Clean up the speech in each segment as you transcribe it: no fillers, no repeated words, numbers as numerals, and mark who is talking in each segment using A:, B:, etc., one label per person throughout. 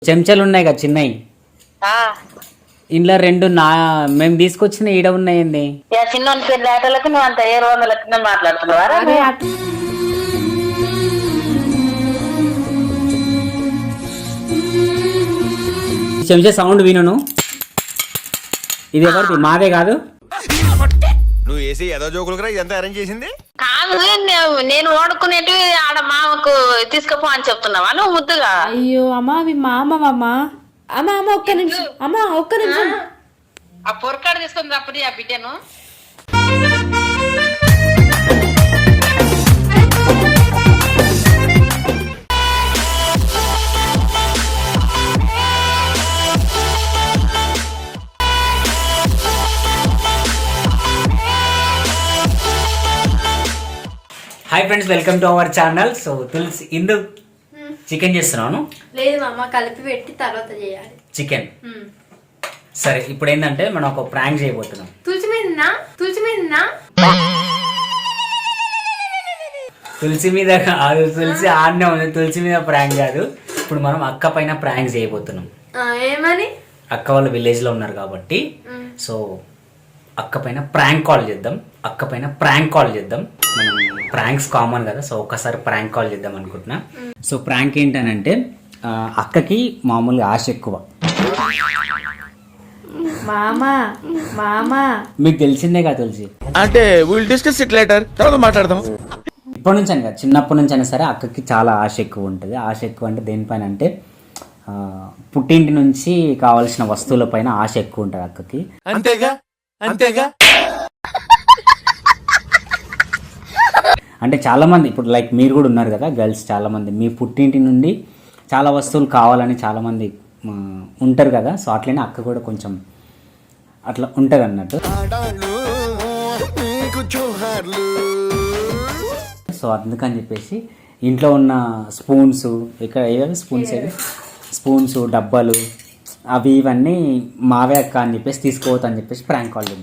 A: చెంచాలు ఉన్నాయి కదా చిన్నవి, ఇంట్లో రెండు మేము తీసుకొచ్చిన ఈడ ఉన్నాయండి.
B: చిన్న లేటలకు నువ్వు అంత 700 మాట్లాడుతున్నావా?
A: చెంచా సౌండ్ విను. ఇది ఎవరిది? మాదే కాదు.
C: నువ్వు వేసి ఏదో జోకులు ఇదంతా అరేంజ్ చేసింది
B: కాదు. నేను ఓడుకునేటి ఆడ మామకు తీసుకుపో అని చెప్తున్నావా నువ్వు ముద్దుగా?
D: అయ్యో అమ్మా అవి మామవమ్మా. అమ్మా అమ్మ ఒక్క నిమిషం, అమ్మా ఒక్క నిమిషం.
B: ఆ పొరకాడు తీసుకుని అప్పుడు ఆ బిడ్డను.
A: Hi friends, welcome to our channel. So తులసి ఇందు చికెన్ చేస్తున్నాను.
D: లేదు అమ్మ, కలిపి పెట్టి తర్వాత చేయాలి
A: చికెన్. సరే, ఇప్పుడు ఏంటంటే మనం ఒక ప్రాంక్ చేయబోతున్నాం.
D: తులసి
A: మీద కాదు, తులసి ఆడనే ఉంది. తులసి మీద ప్రాంక్ కాదు, ఇప్పుడు మనం అక్క పైన ప్రాంక్ చేయబోతున్నాం.
D: ఏమని?
A: అక్క వాళ్ళు విలేజ్ లో ఉన్నారు కాబట్టి సో అక్క పైన ప్రాంక్ కాల్ చేద్దాం. మనం ప్రాంక్స్ కామన్ కదా, సో ఒక్కసారి ప్రాంక్ కాల్ చేద్దాం అనుకుంటున్నా. సో ప్రాంక్ ఏంటనంటే అక్కకి మామూలుగా ఆశ ఎక్కువ. మీకు తెలిసిందే కదా తులసి.
C: అంటే విల్ డిస్కస్ ఇట్ లేటర్, తర్వాత మాట్లాడదాం.
A: ఇప్పటి నుంచి అని కాదు, చిన్నప్పటి నుంచి అయినా సరే అక్కకి చాలా ఆశ ఎక్కువ ఉంటుంది. ఆశ ఎక్కువ అంటే దేనిపైన అంటే పుట్టింటి నుంచి కావాల్సిన వస్తువుల పైన ఆశ ఎక్కువ ఉంటుంది అక్కకి.
C: అంతేగా
A: అంటే చాలా మంది ఇప్పుడు లైక్ మీరు కూడా ఉన్నారు కదా గర్ల్స్, చాలా మంది మీ పుట్టింటి నుండి చాలా వస్తువులు కావాలని చాలా మంది ఉంటారు కదా. సో అట్లనే అక్క కూడా కొంచెం అట్లా ఉంటుంది అన్నట్టు. సో అందుకని చెప్పేసి ఇంట్లో ఉన్న స్పూన్స్, ఇక్కడ ఏవి స్పూన్స్ డబ్బాలు అవి ఇవన్నీ మావే అక్క అని చెప్పేసి తీసుకోవద్దని చెప్పేసి ప్రాంక్ కాల్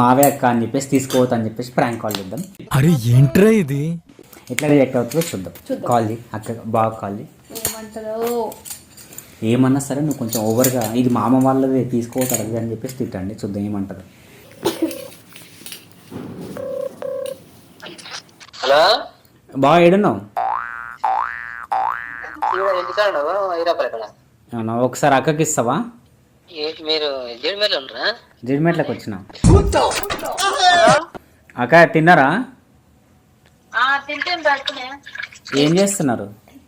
A: చేద్దాం.
C: అరే ఏంట్రా ఇది?
A: ఎట్లా రియాక్ట్ అవుతుందో చూద్దాం. కాల్ చేయి అక్క, బాగా కాల్ చేయి. ఏమన్నా సరే నువ్వు కొంచెం ఓవర్గా ఇది మామ వాళ్ళది తీసుకోవద్దు అని చెప్పేసి తిట్టండి, చూద్దాం ఏమంటారు.
B: హలో,
A: బాగా ఏడున్నావు? ఒకసారి అక్కకి ఇస్తావా?
B: మీరు
A: జిడిమెట్లకు వచ్చిన అక్క తిన్నారా? ఏం చేస్తున్నారు?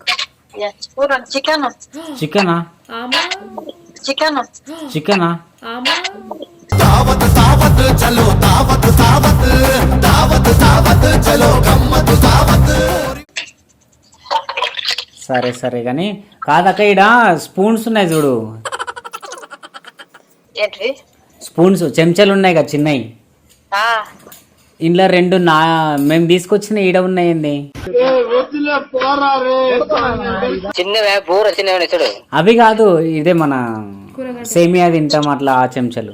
A: చికెనా? సరే కానీ కాదక్క, ఈడ స్పూన్స్ ఉన్నాయి చూడు. స్పూన్స్ చెంచాలు ఉన్నాయి కదా చిన్నవి, ఇంట్లో రెండు మేము తీసుకొచ్చిన ఈడ ఉన్నాయండి. అవి కాదు, ఇదే మన సేమియా తింటాం అట్లా ఆ చెంచాలు.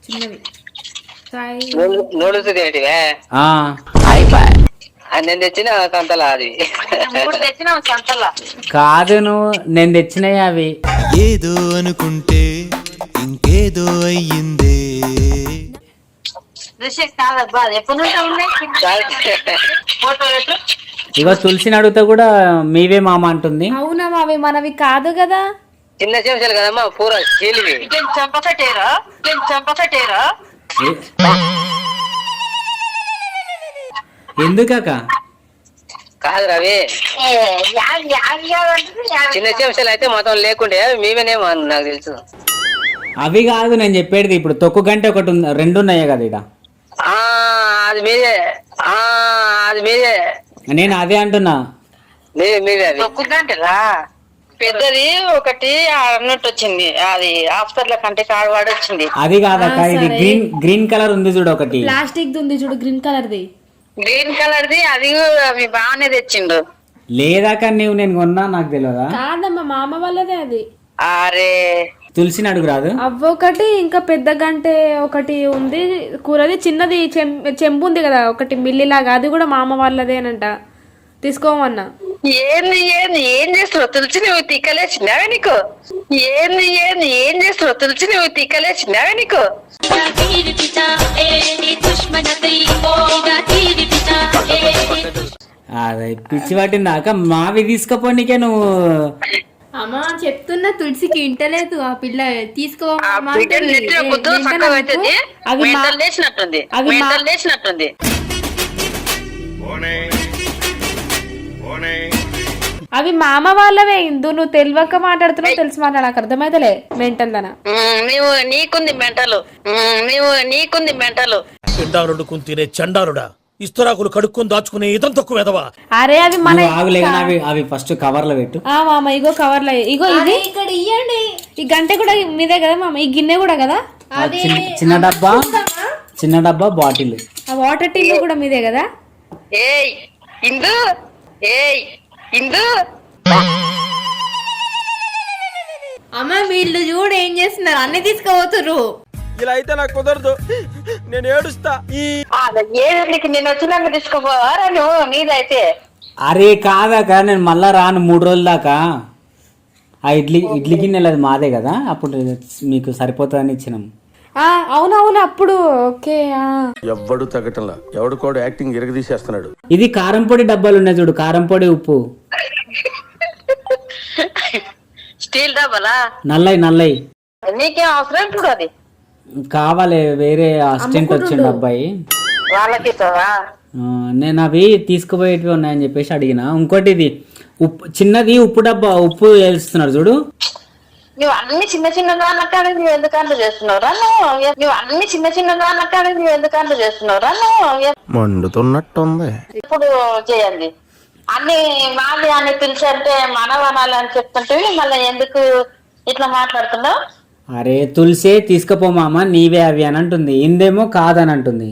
B: నేను తెచ్చిన సంతలా అది
A: కాదు, నువ్వు నేను తెచ్చినాయి అవి.
E: ఏదో అనుకుంటే ఇంకేదో అయ్యిందే.
A: ఇగో తులసిని అడుగుతా కూడా మీవే మామ అంటుంది.
D: అవునా, అవి మనవి కాదు కదా,
B: చిన్న చెంచాలు కదమ్మా. పూర చంపసటేరా
A: ఎందుకక్క?
B: కాదు రవి, చిన్న చెంచాలు అయితే మొత్తం లేకుండే మేమేనేమో నాకు తెలుసు.
A: అవి కాదు నేను చెప్పేది, ఇప్పుడు తొక్కు గంట ఒకటి రెండు ఉన్నాయే కదా ఇడ.
B: అది మీదే
A: నేను అదే అంటున్నా.
B: తొక్కు గంటలా పెద్దది ఒకటి అన్నట్టు వచ్చింది, అది హాస్పిటల్ కంటే కాడవాడు వచ్చింది.
A: అది కాదక్క, ఇది గ్రీన్ కలర్ ఉంది చూడు, ఒకటి
D: ప్లాస్టిక్ ఉంది చూడు, గ్రీన్ కలర్ది.
B: అది అవి బాగానే తెచ్చిండు.
A: లేదాక నేను కొన్నా, నాకు తెలియదా?
D: కాదమ్మా, మామ వాళ్ళదే అది.
B: అరే
A: తులసిని అడుగు రాదు.
D: అవ్వొకటి, ఇంకా పెద్ద గంటే ఒకటి ఉంది కూరది. చిన్నది చెంబు ఉంది కదా ఒకటి మిల్లిలాగా, అది కూడా మామ వాళ్ళదేనంట. తీసుకోమన్నా.
B: ఏంది ఏంది ఏం చేస్తున్నావు తులసి నువ్వు తిక్కలేసినావే నీకు? ఏంది ఏంది ఏం చేస్తున్నావు తులసి నువ్వు తిక్కలేసినావే నీకు?
A: అదే పిచ్చి పట్టిందాక మావి తీసుకపోనీకే నువ్వు.
D: అమ్మా చెప్తున్నా, తులసికి ఇంటలేదు ఆ పిల్ల.
B: ఆ బిడ్డను నెట్టిన బుద్ధు చక్కగా అవుతుంది. మెంటల్ లేచినట్టుంది, మెంటల్ లేచినట్టుంది.
D: అవి మామ వాళ్ళవే ఇందు. నువ్వు తెలియక మాట్లాడుతున్నావు, తెలిసి మాట్లాడ నాకు అర్థమైతలే. మెంటల్ దనా
B: నీవు నీకుంది మెంటలు, నీవు నీకుంది మెంటలు.
F: పిండారుడు తినే చండారుడా, ఇస్తరాకులు కడుక్కొని దాచుకునే ఇతం తక్కువ ఎదవా.
D: అరే అవి మన
A: ఆగులేగానే అవి ఫస్ట్ కవర్ లో పెట్టు.
D: మామ ఇగో కవర్ లో, ఇగో ఇది ఇక్కడ ఇయ్యండి. ఈ గంట కూడా మీదే కదా మామ, ఈ గిన్నె కూడా కదా.
A: చిన్న డబ్బా బాటిల్,
D: ఆ వాటర్ టిన్ కూడా మీదే కదా.
B: ఏయ్ ఇందు, ఏయ్ ఇందు.
D: అమ్మ వీళ్ళు చూడు ఏం చేస్తున్నారు, అన్ని తీసుకుపోతుర్రు.
F: ఇలా అయితే నాకు కుదరదు, నేను ఏడుస్తా.
B: ఏడుకి నేను వచ్చినాక తీసుకుపోవారా నువ్వు? నీదైతే
A: అరే కాదాక నేను మళ్ళా రాను 3 రోజుల దాకా. ఆ ఇడ్లీ గిన్నెలు అది మాదే కదా, అప్పుడు మీకు సరిపోతుందని ఇచ్చినాం.
D: అవునవును అప్పుడు ఓకే.
C: ఎవ్వడు తగ్గటంలా, ఎవడు కూడా యాక్టింగ్ ఇరగదీసేస్తున్నాడు.
A: ఇది కారం పొడి డబ్బాలు ఉన్నాయి చూడు, కారం పొడి ఉప్పు.
B: స్టీల్ డబ్బాలా?
A: నల్లయి
B: నీకేం అవసరం ఇప్పుడు? అది
A: కావాలి, వేరే అసిస్టెంట్ వచ్చిండు అబ్బాయి,
B: వాళ్ళకి
A: నేను అవి తీసుకుపోయేటివి ఉన్నాయని చెప్పేసి అడిగిన. ఇంకోటి ఇది ఉప్పు, చిన్నది ఉప్పు డబ్బా, ఉప్పు వేస్తున్నాడు చూడు.
B: నువ్వు అన్ని చిన్న చిన్న దానికాడ నువ్వు ఎందుకంటే చేస్తున్నావురా? నువ్వు అన్ని చిన్న చిన్న దానికాడ నువ్వు ఎందుకంటే చేస్తున్నావురా?
C: మండుతున్నట్టుంది.
B: ఇప్పుడు చేయండి అన్ని వాళ్ళు అని పిలిచంటే మనవనాలి అని చెప్తుంటే మళ్ళీ ఎందుకు ఇట్లా మాట్లాడుతున్నావు?
A: అరే తులసే తీసుకుపో మామ, నీవే అవి అని అంటుంది. ఇందేమో కాదని అంటుంది.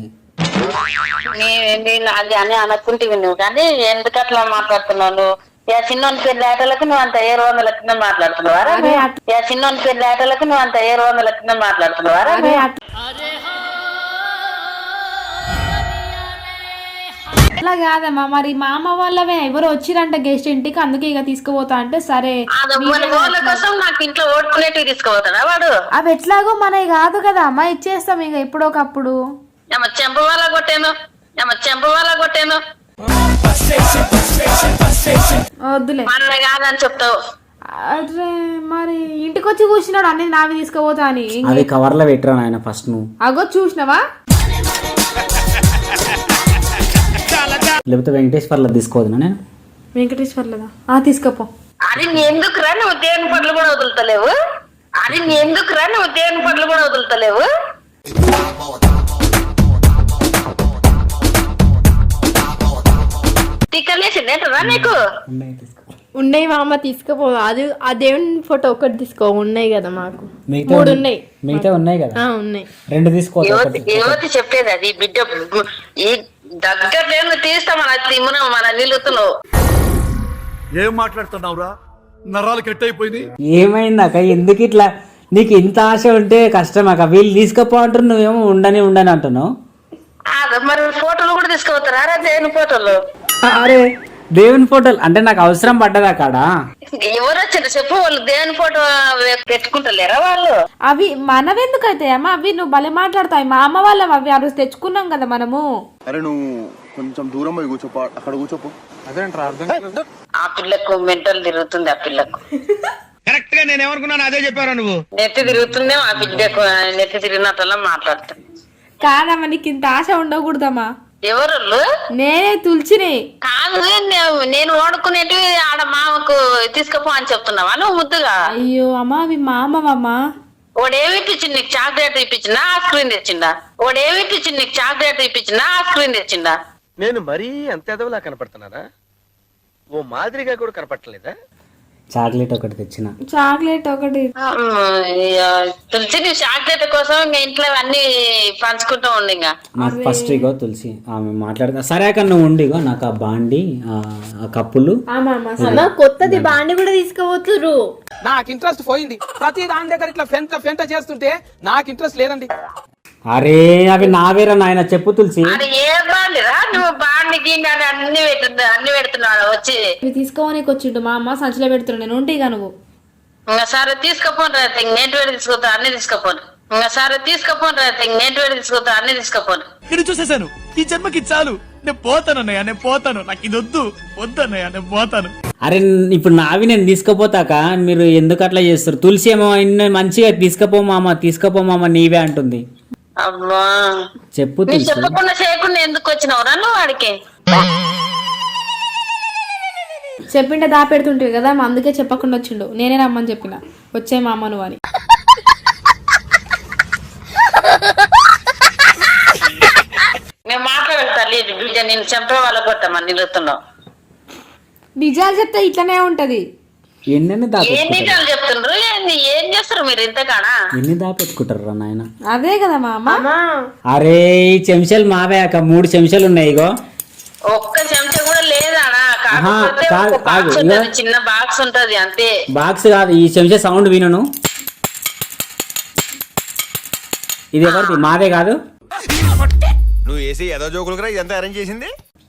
B: నేను అది అని అనుకుంటేవి నువ్వు, కానీ ఎందుకు అట్లా మాట్లాడుతున్నావు? నువ్వు చిన్నోని పెళ్లి ఆటలకు నువ్వు అంత 700 కింద మాట్లాడుతున్నావారా? చిన్నోని పెళ్లి ఆటలకు నువ్వు అంత 700 కింద మాట్లాడుతున్నావారా?
D: అట్లా కాదమ్మా, మరి మామ వాళ్ళవే ఎవరు వచ్చిరంట గెస్ట్ ఇంటికి, అందుకే ఇక తీసుకుపోతా అంటే సరే.
B: వాళ్ళ కోసం నాకు ఇంట్లో ఓడుకునేటివి తీసుకుపోతాడా వాడు?
D: అవి ఎట్లాగో మనవి కాదు కదా అమ్మా, ఇచ్చేస్తాం ఇక ఎప్పుడో ఒకప్పుడు.
B: చెంప వాళ్ళ కొట్టాను, చెంప వాళ్ళ కొట్టాను.
D: వద్దులే
B: మన కాదని చెప్తావు.
D: అరే మరి ఇంటికి వచ్చి కూర్చున్నాడు అన్ని నావి తీసుకుపోతా అని.
A: అది కవర్ లో పెట్టరా నాయన ఫస్ట్ నువ్వు.
D: అగో చూసినావా?
A: లేకపోతే వెంకటేశ్వర్లో తీసుకోవద్దునా నేను?
D: వెంకటేశ్వర్లదా? తీసుకపో.
B: అది ఎందుకురా నువ్వు దేవుని పనులు కూడా వదులుతలేవు? అది ఎందుకురా నువ్వు దేవుని పనులు కూడా వదులుతలేవు? తిక్కలేసిందేంటరా నీకు?
D: ఉన్నాయి మామ తీసుకుపో. అది ఆ దేవుని ఫోటో ఒకటి తీసుకో, ఉన్నాయి కదా మాకు 3 ఉన్నాయి.
A: మిగతా ఉన్నాయి కదా?
D: ఉన్నాయి.
A: 2 తీసుకో.
B: యువతి చెప్పేది అది. బిడ్డ ఈ దగ్గర తీస్తా మన నిలుతున్నావు.
F: ఏం మాట్లాడుతున్నావురా? నరాలు కట్టయిపోయింది.
A: ఏమైందాక ఎందుకు ఇట్లా? నీకు ఇంత ఆశ ఉంటే కష్టమాక. వీళ్ళు తీసుకుపో అంటారు, నువ్వేమో ఉండని అంటున్నావు.
B: మరి ఫోటోలు కూడా తీసుకుపోతారా? దేవుని ఫోటోలు.
A: అరే దేవుని ఫోటోలు అంటే నాకు అవసరం పడ్డదా కాడ?
B: ఎవరు వచ్చారు చెప్పు? వాళ్ళు దేవుని ఫోటో పెట్టుకుంటలేరా వాళ్ళు?
D: అవి మనవెందుకు అయితే అమ్మ? అవి నువ్వు భలే మాట్లాడతావు. మా అమ్మ వాళ్ళం అవి. ఆ రోజు తెచ్చుకున్నాం కదా మనము.
C: అరే నువ్వు కొంచెం దూరం పోయి కూర్చోపో, అక్కడ కూర్చోపో. అదేంట్రా అర్థం కాదు.
B: ఆ పిల్లకు మెంటల్ తిరుగుతుంది. ఆ పిల్లకు
F: కరెక్ట్ గా నేను ఏమనుకున్నాను అదే చెప్పారా నువ్వు?
B: నెత్తి తిరుగుతుందేమో ఆ బిడ్డకు. నెత్తి తిరిగినట్టల్లా మాట్లాడుతుంది.
D: కాదమ్మా, నీకు ఇంత ఆశ ఉండకూడదమ్మా.
B: ఎవరు?
D: నేనే తులసిని.
B: కాదు, నేను వాడుకునేటి ఆడ మామకు తీసుకుపో అని చెప్తున్నావా నువ్వు ముద్దుగా?
D: అయ్యో అమ్మా, అవి మామవమ్మా.
B: వాడేమి ఇప్పించింది నీకు? చాక్లెట్ ఇప్పించిందా? ఐస్ క్రీమ్ తెచ్చిందా? వాడేమి ఇప్పించింది నీకు? చాక్లెట్ ఇప్పించిందా? ఐస్ క్రీమ్ తెచ్చిందా?
C: నేను మరీ అంత ఎదవలా కనపడుతున్నారా? ఓ మాదిరిగా కూడా కనపడలేదా?
A: చాక్లెట్ ఒకటి తెచ్చిన.
D: చాక్లెట్ ఒకటి
B: తులసి, నువ్వు చాక్లెట్ కోసం ఇంకా ఇంట్లో అన్ని పంచుకుంటూ ఉండి. ఇంకా
A: నాకు ఫస్ట్ ఇగో తులసి ఆమె మాట్లాడుతా. సరే అక్కడ నువ్వు ఉండిగో, నాకు ఆ బాండి ఆ కప్పులు
D: కొత్తది బాండి కూడా తీసుకోవచ్చురు.
G: నాకు ఇంట్రెస్ట్ పోయింది. ప్రతి దాని దగ్గర ఇట్లా ఫెంట చేస్తుంటే నాకు ఇంట్రెస్ట్ లేదండి.
A: అరే అవి నావేరా నాయన, చెప్పు తులసి.
B: అది ఏ బాండిరా? నువ్వు బాండి గీమి అని అన్ని పెడుతున్నాడు వచ్చి.
H: ఇవి తీసుకోవడానికి వచ్చిండు మా అమ్మ సంచిలో పెడుతున్నాడు. నేను ఉంటే ఇక నువ్వు
B: ఇంకా సరే తీసుకపోను రా నేను వేడి తీసుకుతా అన్ని తీసుకపోను. ఇంకా సరే తీసుకపోను రా నేను వేడి తీసుకుతా అన్ని తీసుకపోను.
I: ఇక్కడ చూసేశాను. ఈ జన్మకి చాలు. నేను పోతాను అన్నయ్య, నేను పోతాను. నాకు ఇది వద్దు అన్నయ్య, నేను పోతాను.
A: అరే ఇప్పుడు నావి నేను తీసుకుపోతాక మీరు ఎందుకు అట్లా చేస్తారు? తులసి ఏమో మంచిగా తీసుకపో మామ నీవే అంటుంది.
B: అబ్బా
A: చెప్పు
B: నువ్వు
A: తులసి.
B: చెప్పకుండా చేయకుండా ఎందుకు వచ్చినావురా నువ్వు వాడికి?
H: చెప్పింటే దాపెడుతుంటే కదా అందుకే చెప్పకుండా వచ్చిండు. నేనే రమ్మని చెప్పిన వచ్చే మా అమ్మ నువ్వు అని.
B: మేము మాట్లాడతాను తల్లి బిడ్డ నేను చంపే వాళ్ళ కొట్టమని నిలుతున్నావు.
H: నిజాలు చెప్తే ఇట్లనే ఉంటది.
A: ఎన్ని
B: ఏం
A: దాపెట్టుకుంటారు
B: నిజాలు చెప్తుండ్రు ఏం చేస్తారు మీరు ఇంతకానా?
A: ఎన్ని దాపెట్టుకుంటారు రా నాయన?
H: అదే కదా మా అమ్మ.
A: అరే ఈ చెంచాలు మావే అక్క 3 చెంచాలు ఉన్నాయి. ఇగో
B: ఒక్క చెంచా కూడా లేదానా?
A: ఆహా,
B: కాకపోతే
A: కాదు,
B: ఒక బాక్స్
A: ఆగు,
B: ఉంటది,
A: ఇగో.
B: చిన్న బాక్స్ ఉంటది అంతే.
A: బాక్స్ కాదు, ఈ చెంచా సౌండ్ వినను. ఇది ఎవరిది? మాదే కాదు.
C: నువ్వు వేసి ఏదో జోకులు కూడా ఇదంతా అరేంజ్ చేసింది.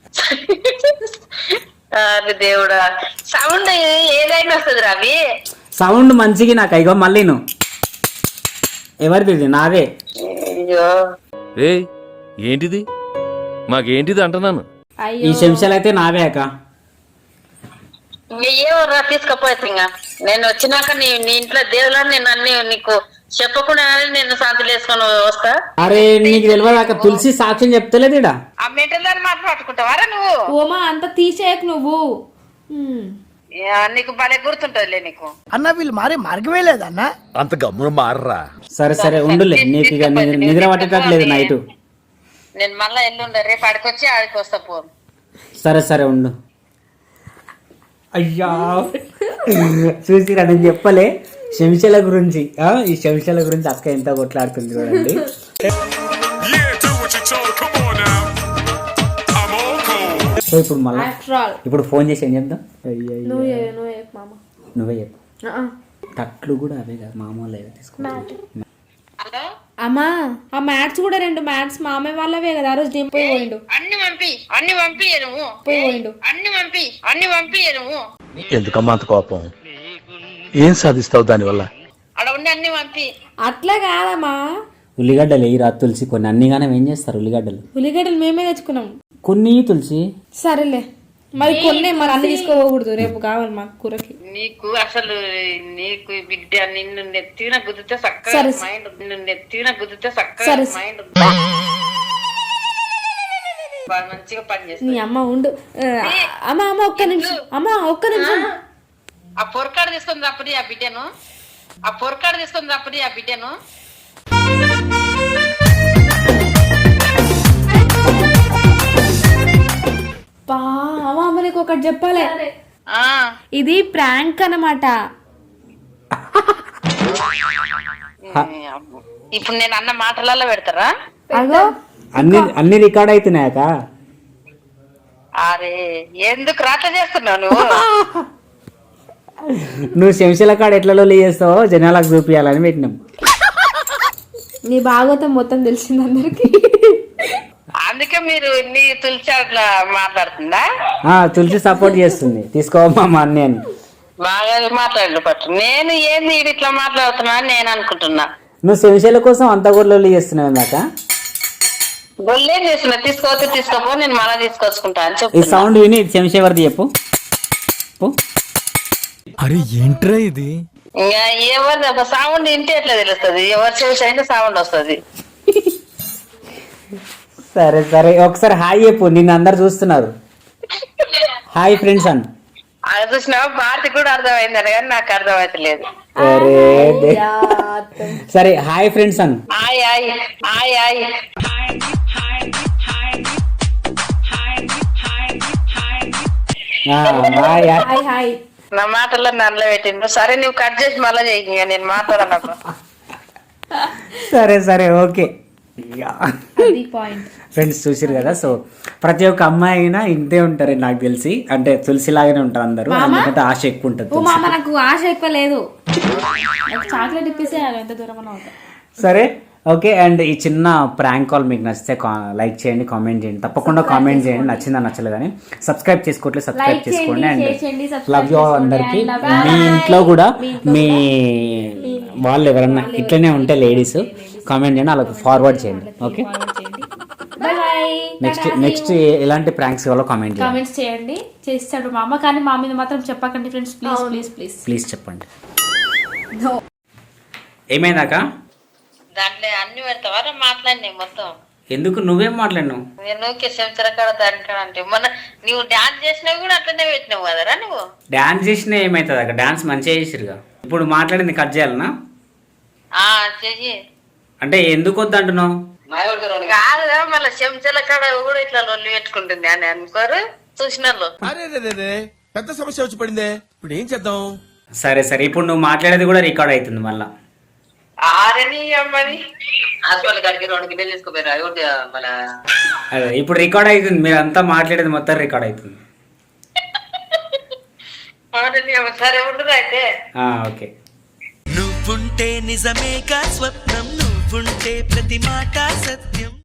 B: అరే దేవుడా సౌండ్ ఏదైనా వస్తుంది రవి.
A: సౌండ్ మంచిగా నాకు. ఇగో మళ్ళీ నువ్వు ఎవరిది? ఇది నాదే.
B: అయ్యో
F: ఏ ఏంటిది? మాకేంటిది అంటున్నాను.
A: ఈ చెంచాలు అయితే నావే అక్క.
B: ఏమరా తీసుకపోతే ఇంకా నేను వచ్చినాక నీ ఇంట్లో దేవుళ్ళని నేను అన్ని నీకు చెప్పకుండా నేను శాంతులు వేసుకొని వస్తా.
A: అరే నీకు తెలియదు అక్క, తులసి సాక్ష్యం చెప్తలేదు ఇడ.
B: ఆ మెటల్ మాట్లాడుకుంటావారా నువ్వు?
H: ఓమా అంత తీసేయకు నువ్వు.
B: నీకు భలే గుర్తుంటదిలే నీకు.
I: అన్న వీళ్ళు మారే మార్గమే లేదన్న.
F: అంత గమ్మున మారరా.
A: సరే ఉండులే, నీకు ఇక నిద్ర పట్టేటట్లేదు నైట్.
B: నేను మళ్ళా ఎల్లుండ రేపు ఆడికొచ్చి ఆడికి వస్తా పో.
A: సరే ఉండు. అయ్యా చూసిరా నేను చెప్పలే శంశాల గురించి. ఈ శంశాల గురించి అక్క ఎంత కొట్లాడుతుంది చూడండి. సో ఇప్పుడు మళ్ళీ ఇప్పుడు ఫోన్ చేసి ఏం చెప్దాం? నువ్వే చెప్పు. తట్లు కూడా అవే కదా మామూలు తీసుకుంటా.
H: అమ్మా ఆ మ్యాట్స్ కూడా 2 మ్యాట్స్ మామే వాళ్ళవే కదా. ఆ రోజు నేను పోయిండు.
B: అన్ని పంపి నువ్వు
H: పోయిండు.
B: అన్ని పంపి నువ్వు.
C: ఎందుకమ్మా అంత కోపం? ఏం సాధిస్తావు దానివల్ల?
B: అక్కడ ఉండి అన్ని పంపి.
H: అట్లా కాదమ్మా.
A: ఉల్లిగడ్డలు వేయి రా తులసి. కొన్ని అన్నిగానే ఏం చేస్తారు
H: ఉల్లిగడ్డలు మేమే తెచ్చుకున్నాం
A: కొన్ని తులసి.
H: సరేలే మరి కొన్ని మరి అన్ని తీసుకోకూడదు. రేపు కావాలి మాకు కూరకి.
B: నీకు అసలు నీకు బిడ్డ నిన్ను నెత్తిన గుద్దితే చక్కగా మైండ్ మైండ్ మంచిగా పని చేస్తుంది.
H: నీ అమ్మ ఉండు. అమ్మ ఒక్క నిమిషం.
B: ఆ పొరకాడు తీసుకొని తప్పది ఆ బిడ్డను.
H: అమ్మ నీకు ఒకటి చెప్పాలి. ఇది ప్రాంక్ అన్నమాట.
B: ఇప్పుడు నేను అన్న మాటలలో పెడతారా?
H: అగో
A: అన్ని రికార్డ్ అవుతున్నాయక.
B: అరే ఎందుకు రాట చేస్తున్నావు నువ్వు?
A: నువ్వు శంశాల కాడ ఎట్లా లొల్లి చేస్తావో జనాలకు చూపించాలని పెట్టినాం.
H: నీ భాగవతం మొత్తం తెలిసింది అందరికి.
B: అందుకే మీరు నీ తులసి అట్లా మాట్లాడుతుందా?
A: తులసి సపోర్ట్ చేస్తుంది. తీసుకోవమ్మా మా అన్ని అని
B: బాగా మాట్లాడు పట్టు. నేను ఏంది ఇట్లా మాట్లాడుతున్నా అని నేను అనుకుంటున్నా.
A: నువ్వు శంశాల కోసం అంత కూడా లొల్లి చేస్తున్నావు ఇందాక.
B: గొల్లేం చేస్తున్నా? తీసుకోపో నేను మళ్ళీ తీసుకొచ్చుకుంటా అని
A: ఈ
B: చెప్తున్నా.
A: సౌండ్ విని శంశ ఎవరిది చెప్పు.
I: అరే ఏంట్రా ఇది?
B: ఇంకా ఎవరిది సౌండ్ వింటే ఎట్లా తెలుస్తుంది? ఎవరు చూసి అయితే సౌండ్ వస్తుంది.
A: సరే ఒకసారి హాయ్ చెప్పు. నిన్ను అందరు చూస్తున్నారు. హాయ్ ఫ్రెండ్స్ అని.
B: అది చూసినావా? భారతి కూడా అర్థమైందని కానీ నాకు అర్థమైతలేదు.
A: సరే హాయ్ ఫ్రెండ్స్ అని.
H: హాయ్
B: నా మాటల్లో నల్ల పెట్టిండు. సరే నువ్వు కట్ చేసి మళ్ళీ చేయి. నేను మాట్లాడను.
A: సరే ఓకే. ఫ్రెండ్స్ చూసారు కదా. సో ప్రతి ఒక్క అమ్మాయి అయినా ఇంతే ఉంటారు నాకు తెలిసి. అంటే తులసి లాగానే ఉంటారు అందరూ. ఎందుకంటే ఆశ ఎక్కువ ఉంటుంది.
H: నాకు ఆశ ఎక్కువ లేదు. చాక్లెట్ ఇప్పిస్తే ఎంత దూరం అవుతా.
A: సరే ఓకే, అండ్ ఈ చిన్న ప్రాంక్ కాల్ మీకు నచ్చితే లైక్ చేయండి, కామెంట్ చేయండి, తప్పకుండా కామెంట్ చేయండి నచ్చిందా నచ్చలేదు కానీ. సబ్స్క్రైబ్ చేసుకోవట్లేదు సబ్స్క్రైబ్ చేసుకోండి. అండ్ లవ్ యూ అందరికి. మీ ఇంట్లో కూడా మీ వాళ్ళు ఎవరన్నా ఇట్లనే ఉంటే లేడీస్ కామెంట్ చేయండి, వాళ్ళకి ఫార్వర్డ్ చేయండి. ఓకే, నెక్స్ట్ ఎలాంటి ప్రాంక్స్ కావాలో కామెంట్ చేయండి,
H: కామెంట్స్ చేయండి. చేస్తాడు మా అమ్మ, కానీ మా మీద మాత్రం చెప్పకండి friends, please please please
A: please చెప్పండి. ఏమైందాక
B: దాంట్లో అన్ని పెడతావారా మాట్లాడినాయి మొత్తం?
A: ఎందుకు నువ్వేం మాట్లాడినావు?
B: నేను చెంచర కాడ దాని కాడ అంటే మొన్న నువ్వు డాన్స్ చేసినవి కూడా అట్లనే పెట్టినావు కదరా నువ్వు.
A: డాన్స్ చేసినా ఏమవుతుంది అక్క? డాన్స్ మంచిగా చేసిరుగా. ఇప్పుడు మాట్లాడింది కట్ చేయాలనా?
B: చెయ్యి.
A: అంటే ఎందుకు వద్దు అంటున్నావు?
B: కాదురా మళ్ళీ చెంచల కాడ కూడా ఇట్లా లొల్లి పెట్టుకుంటుంది అని అనుకోరు చూసిన
F: పెద్ద సమస్య వచ్చి పడిందే, ఇప్పుడు ఏం చేద్దాం?
A: సరే సరే, ఇప్పుడు నువ్వు మాట్లాడేది కూడా రికార్డ్ అవుతుంది మళ్ళా.
B: ఆరని అమ్మని హాస్పిటల్ కాడికి 2 గిన్నెలు తీసుకోపోయారు మన.
A: అదే ఇప్పుడు రికార్డ్ అవుతుంది, మీరు అంతా మాట్లాడేది మొత్తం రికార్డ్ అవుతుంది.
B: సరే ఉండదు అయితే.
A: ఓకే.
E: నువ్వుంటే నిజమేగా స్వప్నం, నువ్వుంటే ప్రతి మాట సత్యం.